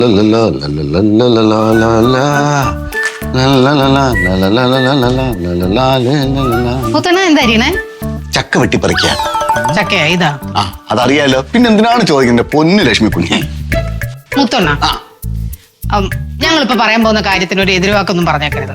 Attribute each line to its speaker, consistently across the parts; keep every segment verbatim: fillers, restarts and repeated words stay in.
Speaker 1: ചക്ക വെട്ടിപ്പറിക്കാ.
Speaker 2: ചക്കയാ ഇതാ?
Speaker 1: ആ അതറിയാലോ, പിന്നെ എന്തിനാണ് ചോദിക്കുന്നത് പൊന്നു ലക്ഷ്മി കുഞ്ഞെ?
Speaker 2: മുത്തൊണ്ണ, ഞങ്ങളിപ്പോ പറയാൻ പോകുന്ന കാര്യത്തിന് ഒരു എതിർവാക്കൊന്നും പറഞ്ഞേക്കരുത്.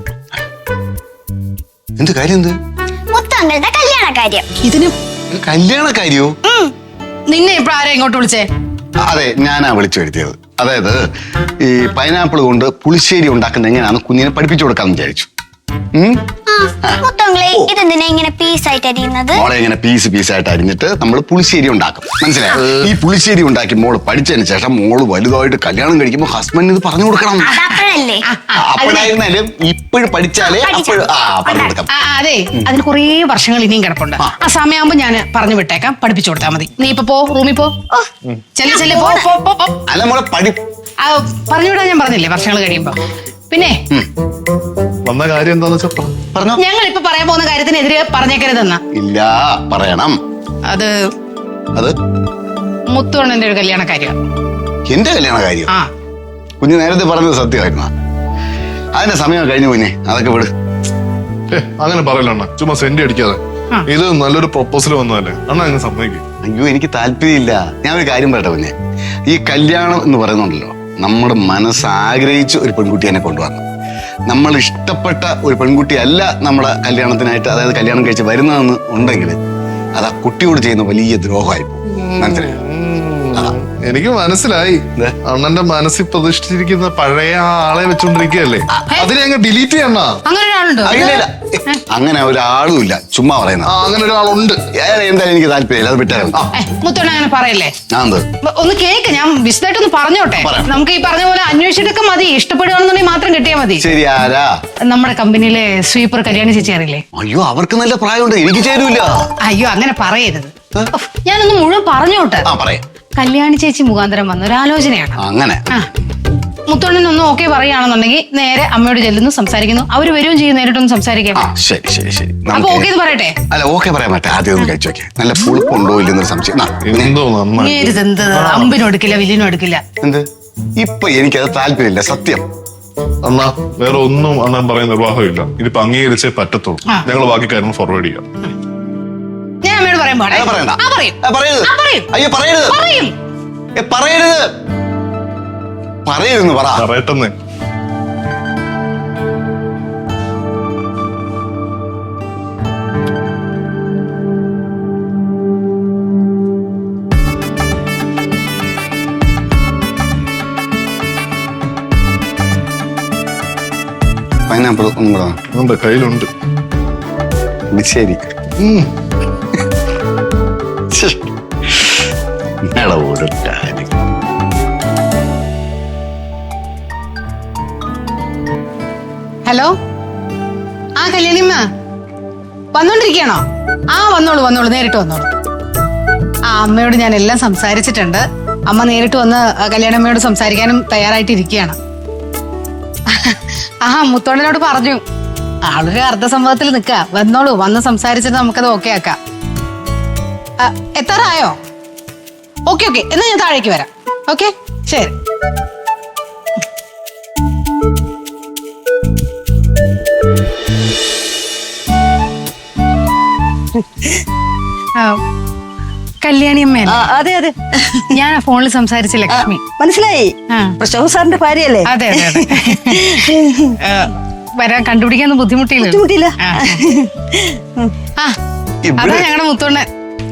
Speaker 1: എന്ത് കാര്യം? എന്ത്
Speaker 3: മുത്തങ്ങളുടെ കല്യാണ കാര്യം?
Speaker 1: ഇതിന് കല്യാണ കാര്യോ?
Speaker 2: നിന്നെ ഇപ്പൊ ആരാ ഇങ്ങോട്ട് വിളിച്ചേ?
Speaker 1: അതെ, ഞാനാ വിളിച്ചു വരുത്തിയത്. അതായത് ഈ പൈനാപ്പിൾ കൊണ്ട് പുളിശ്ശേരി ഉണ്ടാക്കുന്ന എങ്ങനെയാണെന്ന് കുഞ്ഞിനെ പഠിപ്പിച്ചു കൊടുക്കാന്ന് വിചാരിച്ചു.
Speaker 3: മുത്തങ്ങളെ ഇതെന്തിനാ ഇങ്ങനെ പീസായിട്ട് അരിയുന്നത്?
Speaker 1: മോളെ ഇങ്ങനെ പീസ് പീസായിട്ട് അരിഞ്ഞിട്ട് നമ്മൾ പുളിശ്ശേരി ഉണ്ടാക്കും, മനസ്സിലായോ? ഈ പുളിശ്ശേരി ഉണ്ടാക്കി മോള് പഠിച്ചതിന് ശേഷം മോള് വലുതായിട്ട് കല്യാണം കഴിക്കുമ്പോ ഹസ്ബൻഡിന് ഇത് പറഞ്ഞു കൊടുക്കണം. അപ്പോഴായിരുന്നാലും ഇപ്പോഴും പഠിച്ചാലേ അപ്പോഴും പറഞ്ഞു കൊടുക്കാം.
Speaker 2: അതെ, അതിന് കുറേ വർഷങ്ങൾ ഇനിയും കിടപ്പുണ്ട്. ആ സമയമാകുമ്പോ ഞാൻ പറഞ്ഞു വിട്ടേക്കാം, പഠിപ്പിച്ചു കൊടുത്താൽ മതി. നീ ഇപ്പൊ പോ, റൂമിൽ പോ. ചെല്ല് ചെല്ല്, പോ.
Speaker 1: അല്ല മോളെ പഠി
Speaker 2: പറഞ്ഞു വിടാൻ ഞാൻ പറഞ്ഞില്ലേ വർഷങ്ങൾ കഴിയുമ്പോ. പിന്നെ
Speaker 4: വന്ന കാര്യം എന്താന്ന് വെച്ചാ പറഞ്ഞോ.
Speaker 2: ഞങ്ങൾ ഇപ്പൊ പറയാൻ പോകുന്ന കാര്യത്തിനെതിരെ പറഞ്ഞേക്കരുതെന്നാ.
Speaker 1: ഇല്ല, പറയണം.
Speaker 2: അത്
Speaker 1: അത്
Speaker 2: മുത്തുവണ്ണന്റെ ഒരു കല്യാണ കാര്യം.
Speaker 1: എന്റെ കല്യാണ കാര്യം?
Speaker 2: ആ
Speaker 1: കുഞ്ഞ് നേരത്തെ പറഞ്ഞത് സത്യമായിരുന്നു. അതിന്റെ സമയം കഴിഞ്ഞു കുഞ്ഞെ, അതൊക്കെ വിട്.
Speaker 4: അങ്ങനെ പറയല അണ്ണ, ചുമ്മാ സെന്റ് അടിക്കാതെ. ഇത് നല്ലൊരു പ്രൊപ്പോസൽ വന്നതല്ലേ അണ്ണ, അങ്ങ് സമ്മതിക്കും.
Speaker 1: അയ്യോ എനിക്ക് താല്പര്യമില്ല. ഞാൻ ഒരു കാര്യം പറയട്ടെ കുഞ്ഞെ, ഈ കല്യാണം എന്ന് പറയുന്നുണ്ടല്ലോ, നമ്മുടെ മനസ്സ് ആഗ്രഹിച്ച് ഒരു പെൺകുട്ടിയെ കൊണ്ടുവരണം. നമ്മൾ ഇഷ്ടപ്പെട്ട ഒരു പെൺകുട്ടിയല്ല നമ്മുടെ കല്യാണത്തിനായിട്ട്, അതായത് കല്യാണം കഴിച്ച് വരുന്നതെന്ന് ഉണ്ടെങ്കിൽ അത് ആ കുട്ടിയോട് ചെയ്യുന്ന വലിയ ദ്രോഹമായി പോകും, മനസ്സിലായോ?
Speaker 4: എനിക്ക് മനസ്സിലായി. അണ്ണന്റെ മനസ്സിൽ പ്രതിഷ്ഠിച്ചിരിക്കുന്ന പഴയ ആളെ വെച്ചോണ്ടിരിക്കുകയല്ലേ, അതിനെ അങ്ങ് ഡിലീറ്റ് ചെയ്യണ.
Speaker 2: അങ്ങനെ ഒരാളുണ്ടോ?
Speaker 1: അങ്ങനെ ഒരാളും ഇല്ല, ചുമ്മാ പറയുന്ന.
Speaker 4: അങ്ങനെ ഒരാളുണ്ട്.
Speaker 1: എന്തായാലും എനിക്ക് താല്പര്യമില്ല, അത് വിട്ടായിരുന്നു.
Speaker 2: മുത്തോണ്ണ അങ്ങനെ പറയല്ലേ.
Speaker 1: ഒന്ന്
Speaker 2: കേക്ക്, ഞാൻ വിശദമായിട്ടൊന്ന് പറഞ്ഞോട്ടെ. നമുക്ക് ഈ പറഞ്ഞ പോലെ അന്വേഷിച്ചിട്ടൊക്കെ മതി, ഇഷ്ടപ്പെടുകയാണെന്നുണ്ടെങ്കിൽ മാത്രം കിട്ടിയാൽ മതി.
Speaker 1: ശരി. ആരാ?
Speaker 2: നമ്മുടെ കമ്പനിയിലെ സ്വീപ്പർ കല്യാണി ചേച്ചി അറിയില്ലേ?
Speaker 1: അയ്യോ, അവർക്ക് നല്ല പ്രായമുണ്ട്, എനിക്ക് ചേരൂല.
Speaker 2: അയ്യോ അങ്ങനെ പറയരുത്, ഞാനൊന്ന് മുഴുവൻ പറഞ്ഞോട്ടെ. കല്യാണി ചേച്ചി മുഖാന്തരം വന്ന ഒരു ആലോചനയാണ്.
Speaker 1: അങ്ങനെ
Speaker 2: മുത്തോണ്ണനൊന്നും ഓക്കെ പറയുകയാണെന്നുണ്ടെങ്കിൽ നേരെ അമ്മയോട് ചെല്ലുന്നു, സംസാരിക്കുന്നു. അവര് വരികയും ചെയ്യും, നേരിട്ടൊന്ന് സംസാരിക്കാം.
Speaker 1: ശരി ശരി ശരി.
Speaker 2: അപ്പൊ ഓക്കെ എന്ന് പറയട്ടെ?
Speaker 1: അല്ല, ഓക്കെ പറയാൻ പറ്റേ, ആദ്യം ഒന്ന് കഴിച്ചു നോക്കിയാ. നല്ല പുളിപ്പുണ്ടോ ഇല്ലെന്നൊരു സംശയം.
Speaker 2: എന്ത് അമ്പിനും എടുക്കില്ല, വില്ലിനും എടുക്കില്ല.
Speaker 1: എന്ത് ഇപ്പൊ എനിക്കത് താല്പര്യമില്ല, സത്യം.
Speaker 4: അണ്ണാ വേറെ ഒന്നും അണ്ണൻ പറയുന്ന നിർവാഹമില്ല. ഇതിപ്പോ അംഗീകരിച്ചേ പറ്റത്തുള്ളൂ. ഞങ്ങൾ ബാക്കി കാര്യങ്ങൾ ഫോർവേഡ് ചെയ്യാം.
Speaker 2: ഞാൻ അമ്മയോട് പറയാൻ പാടില്ല.
Speaker 1: അയ്യോ പറയരുത്, പറയരുത്, പറയരുതെന്ന് പറ.
Speaker 4: പറയട്ടെന്ന്.
Speaker 1: പൈനാപ്പിൾ ഒന്നും കൂടെ
Speaker 4: ഉണ്ട്, കയ്യിലുണ്ട്.
Speaker 1: ശരി. ഒരു കാര്യം,
Speaker 2: ഹലോ, ആ കല്യാണിമ്മ വന്നോണ്ടിരിക്കണോ? ആ വന്നോളൂ വന്നോളൂ, നേരിട്ട് വന്നോളൂ. ആ അമ്മയോട് ഞാൻ എല്ലാം സംസാരിച്ചിട്ടുണ്ട്. അമ്മ നേരിട്ട് വന്ന് കല്യാണമ്മയോട് സംസാരിക്കാനും തയ്യാറായിട്ടിരിക്കുകയാണ്. ആ മുത്തോണ്ണനോട് പറഞ്ഞു, ആളൊരു അർദ്ധസംഭവത്തിൽ നിക്ക. വന്നോളൂ, വന്ന് സംസാരിച്ചിട്ട് നമുക്കത് ഓക്കെ ആക്കാം. എത്താറായോ? ഓക്കെ ഓക്കെ, എന്നാ ഞാൻ താഴേക്ക് വരാം. ഓക്കെ ശരി. കല്യാണി അമ്മ?
Speaker 5: അതെ അതെ,
Speaker 2: ഞാൻ ഫോണിൽ സംസാരിച്ച ലക്ഷ്മി.
Speaker 5: മനസ്സിലായി, പ്രശോഭ സാറിന്റെ ഭാര്യയല്ലേ?
Speaker 2: അതെ അതെ അതെ. വരാൻ കണ്ടുപിടിക്കാൻ ബുദ്ധിമുട്ടില്ല.
Speaker 5: ബുദ്ധിമുട്ടില്ല.
Speaker 2: ആ അതാ ഞങ്ങളുടെ മുത്തോണ്ണൻ.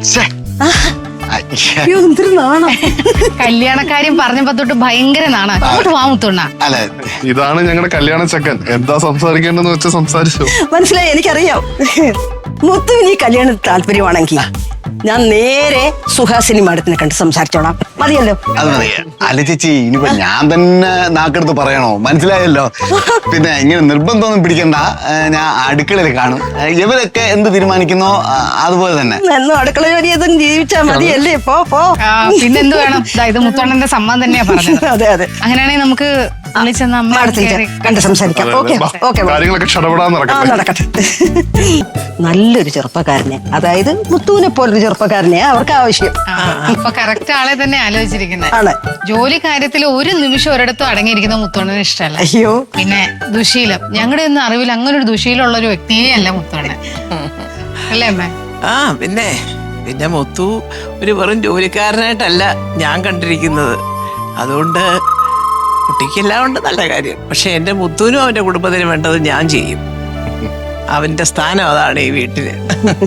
Speaker 2: കല്യാണക്കാര്യം പറഞ്ഞപ്പോ തൊട്ട് ഭയങ്കര നാണ. അങ്ങോട്ട് വാ മുത്തോണ്ണ.
Speaker 4: ഇതാണ് ഞങ്ങളുടെ കല്യാണ ചക്കൻ. എന്താ സംസാരിക്കേണ്ടെന്ന് വെച്ചാൽ സംസാരിച്ചു.
Speaker 5: മനസ്സിലായി, എനിക്കറിയാം. മുത്തുവിന് ഈ കല്യാണം താല്പര്യമാണെങ്കിൽ ഞാൻ നേരെ സുഹാസിനി മാഡത്തിനെ കണ്ട് സംസാരിച്ചോളാം. മതിയല്ലോ?
Speaker 1: അത് മതി. അല്ല ചേച്ചി, ഇനിയിപ്പോ ഞാൻ തന്നെ നാക്കെടുത്ത് പറയണോ? മനസ്സിലായല്ലോ. പിന്നെ ഇങ്ങനെ നിർബന്ധമൊന്നും പിടിക്കണ്ട, ഞാൻ അടുക്കളയിൽ കാണും. ഇവരൊക്കെ എന്ത് തീരുമാനിക്കുന്നോ അതുപോലെ തന്നെ.
Speaker 5: എന്നും അടുക്കള ജോലി ചെയ്തും ജീവിച്ചാ മതിയല്ലേ? പോ പോ.
Speaker 2: പിന്നെന്ത് വേണം? ഇത് മുത്തോണ്ണന്റെ സമ്മതം തന്നെയാ പറഞ്ഞത്.
Speaker 5: അതെ അതെ.
Speaker 2: അങ്ങനെയാണെങ്കിൽ നമുക്ക് വിളിച്ചെന്ന് അമ്മ
Speaker 5: മാഡത്തിന്
Speaker 2: കയറി.
Speaker 5: കണ്ട് സംസാരിക്കാം. ഓക്കെ
Speaker 4: ബാ,
Speaker 5: ഓക്കെ
Speaker 4: കാര്യങ്ങളൊക്കെ ക്ഷണപ്പെടാൻ
Speaker 5: ആ
Speaker 4: നടക്കട്ടെ.
Speaker 5: നടക്കട്ടെ. നല്ലൊരു ചെറുപ്പക്കാരനെ, അതായത് മുത്തുവിനെ പോലൊരു ചെറുപ്പക്കാരനെ അവർക്ക് ആവശ്യം.
Speaker 2: ആ, അപ്പൊ കറക്റ്റ് ആളെ തന്നെ ആലോചിച്ചിരിക്കുന്നത്.
Speaker 5: ആണ്.
Speaker 2: ജോലി കാര്യത്തിൽ ഒരു നിമിഷം ഒരിടത്തും അടങ്ങിയിരിക്കുന്ന മുത്തോണ്ണന് ഇഷ്ടമല്ല.
Speaker 5: അയ്യോ
Speaker 2: പിന്നെ ദുശീലം, ഞങ്ങളുടെ ഒന്നും അറിവിൽ അങ്ങനെ ഒരു ദുശീലമുള്ള ഒരു വ്യക്തിയേ അല്ല മുത്തോണ്ണൻ. അല്ലേ അമ്മേ?
Speaker 6: ആ പിന്നെ പിന്നെ മുത്തു ഒരു വെറും ജോലിക്കാരനായിട്ടല്ല ഞാൻ കണ്ടിരിക്കുന്നത്. അതുകൊണ്ട് കുട്ടിക്കെല്ലാം ഉണ്ട് നല്ല കാര്യം. പക്ഷെ എന്റെ മുത്തുവിനും അവന്റെ കുടുംബത്തിനും വേണ്ടത് ഞാൻ ചെയ്യും. അവന്റെ സ്ഥാനം അതാണ് ഈ വീട്ടില്.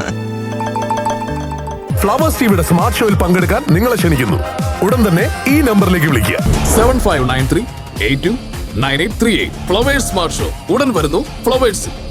Speaker 7: ഫ്ലവേഴ്സ് ടിവിയുടെ സ്മാർട്ട് ഷോയിൽ പങ്കെടുക്കാൻ നിങ്ങളെ ക്ഷണിക്കുന്നു. ഉടൻ തന്നെ ഈ നമ്പറിലേക്ക് വിളിക്കുക.
Speaker 8: Seven five nine three eight two nine eight three eight. Flowers smart show ഉടൻ വരുന്നു ഫ്ലവേഴ്സ്.